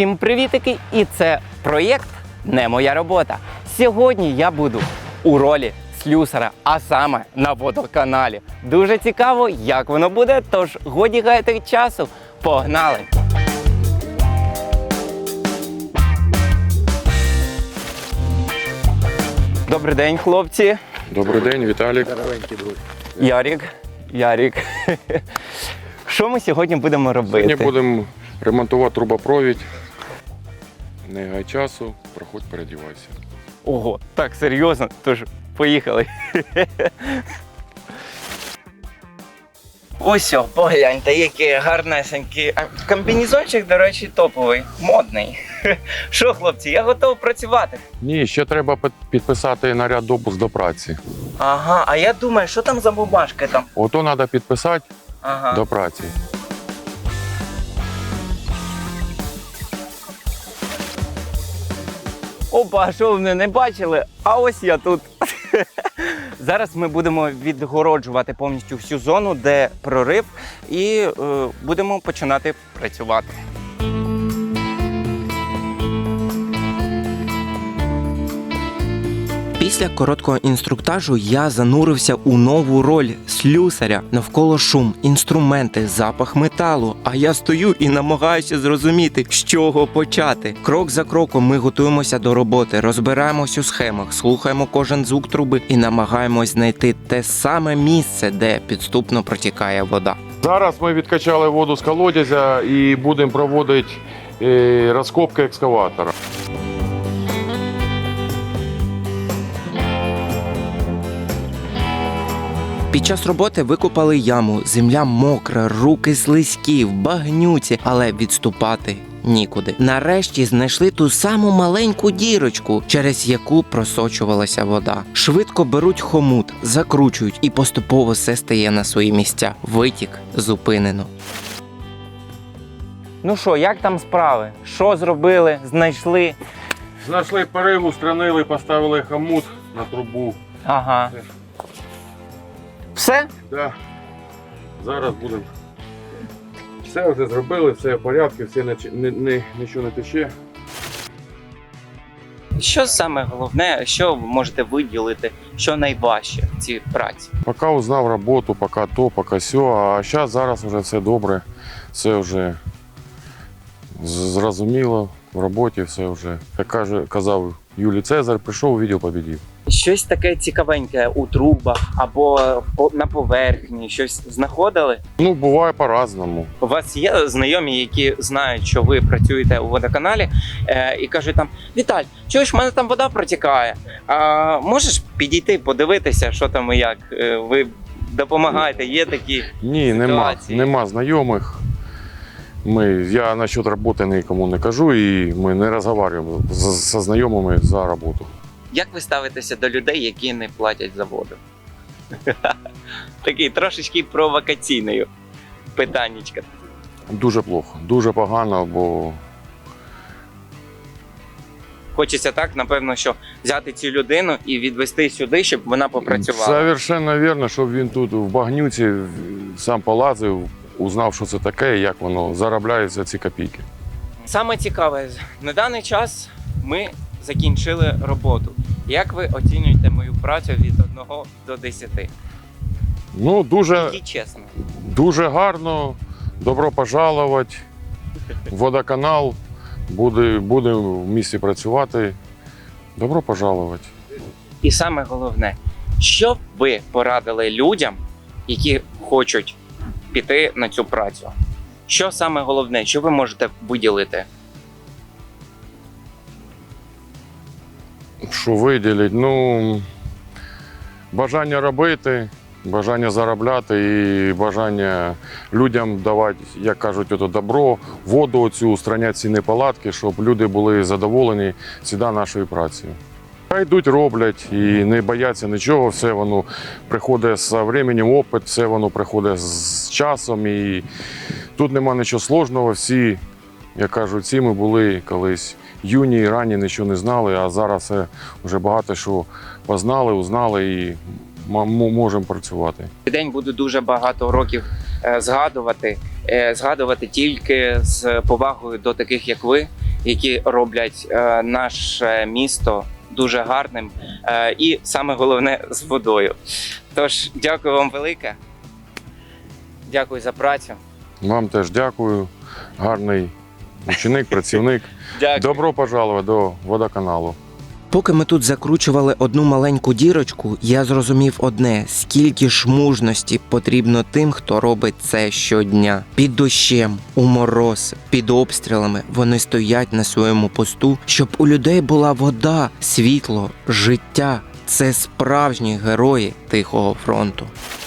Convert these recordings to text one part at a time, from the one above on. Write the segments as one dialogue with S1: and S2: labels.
S1: Всім привітики! І це проєкт «Не моя робота». Сьогодні я буду у ролі слюсара, а саме на водоканалі. Дуже цікаво, як воно буде, тож годі гаяти часу. Погнали! Добрий день, хлопці.
S2: Добрий день, Віталік.
S1: Ярік. Що ми сьогодні будемо робити?
S2: Сьогодні будемо ремонтувати трубопровід. Не гай часу, проходь, передівайся.
S1: Ого, так серйозно? Тож, поїхали. Ось, погляньте, який гарнесенький. Комбінезончик, до речі, топовий, модний. Що, хлопці, я готовий працювати.
S2: Ні, ще треба підписати наряд допуск до праці.
S1: Ага, а я думаю, що там за бумажки там?
S2: Ото треба підписати
S1: Ага.
S2: до праці.
S1: Опа, а що ви мене не бачили? А ось я тут. Зараз ми будемо відгороджувати повністю всю зону, де прорив, і будемо починати працювати. Після короткого інструктажу я занурився у нову роль слюсаря. Навколо шум, інструменти, запах металу. А я стою і намагаюся зрозуміти, з чого почати. Крок за кроком ми готуємося до роботи, розбираємось у схемах, слухаємо кожен звук труби і намагаємось знайти те саме місце, де підступно протікає вода.
S2: Зараз ми відкачали воду з колодязя і будемо проводити розкопки екскаватора.
S1: Під час роботи викопали яму, земля мокра, руки слизькі, в багнюці, але відступати нікуди. Нарешті знайшли ту саму маленьку дірочку, через яку просочувалася вода. Швидко беруть хомут, закручують і поступово все стає на свої місця. Витік зупинено. Ну що, як там справи? Що зробили? Знайшли?
S2: Знайшли перив, устранили, поставили хомут на трубу.
S1: Ага. Все?
S2: Да. Зараз будемо. Все вже зробили, все в порядку, нічого не тече.
S1: Що саме головне, що ви можете виділити, що найважче в цій праці?
S2: Поки узнав роботу, поки то, поки сьо, а зараз вже все добре, все вже зрозуміло, в роботі все вже. Як казав Юлій Цезар, прийшов, увидів, побідів.
S1: Щось таке цікавеньке у трубах або на поверхні, щось знаходили?
S2: Ну, буває по-разному.
S1: У вас є знайомі, які знають, що ви працюєте у водоканалі, і кажуть там: Віталь, чуєш, в мене там вода протікає, можеш підійти, подивитися, що там і як? Ви допомагаєте, є такі
S2: Ні, нема знайомих. Я насчет роботи нікому не кажу і ми не розмовляємо зі знайомими за роботу.
S1: Як ви ставитеся до людей, які не платять за воду? Такий трошечки провокаційною питаннячка.
S2: Дуже плохо, дуже погано, бо
S1: Хочеться так, напевно, що взяти цю людину і відвести сюди, щоб вона попрацювала.
S2: Совершенно вірно, щоб він тут в багнюці сам полазив, узнав, що це таке, як воно заробляється ці копійки.
S1: Саме цікаве, на даний час ми закінчили роботу. Як ви оцінюєте мою працю від 1 до 10?
S2: Ну,
S1: І чесно.
S2: дуже гарно, добро пожаловать, водоканал, буде в місті працювати, добро пожаловать.
S1: І саме головне, що б ви порадили людям, які хочуть піти на цю працю? Що саме головне, що ви можете виділити?
S2: Що виділити? Ну, бажання робити, бажання заробляти і бажання людям давати, як кажуть, ото добро, воду оцю, устраняти ці неполадки, щоб люди були задоволені завжди нашою працею. Хай йдуть, роблять і не бояться нічого, все воно приходить з часом, опит, все воно приходить з часом і тут нема нічого складного, всі, як кажуть, всі ми були колись юні і ранні, нічого не знали, а зараз вже багато що познали, узнали і можемо працювати.
S1: День буду дуже багато років згадувати тільки з повагою до таких, як ви, які роблять наше місто дуже гарним і саме головне з водою. Тож, дякую вам велике. Дякую за працю.
S2: Вам теж дякую. Гарний ученик, працівник.
S1: Дякую.
S2: Добро пожаловать до водоканалу.
S1: Поки ми тут закручували одну маленьку дірочку, я зрозумів одне: скільки ж мужності потрібно тим, хто робить це щодня. Під дощем, у мороз, під обстрілами вони стоять на своєму посту, щоб у людей була вода, світло, життя. Це справжні герої Тихого фронту.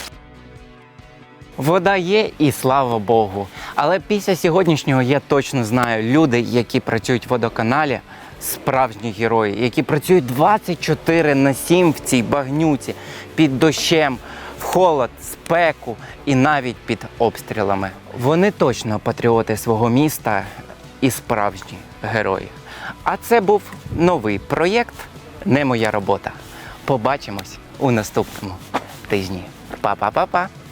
S1: Вода є і слава Богу. Але після сьогоднішнього я точно знаю, люди, які працюють в водоканалі, справжні герої, які працюють 24/7 в цій багнюці, під дощем, в холод, спеку і навіть під обстрілами. Вони точно патріоти свого міста і справжні герої. А це був новий проєкт «Не моя робота». Побачимось у наступному тижні. Па-па-па-па!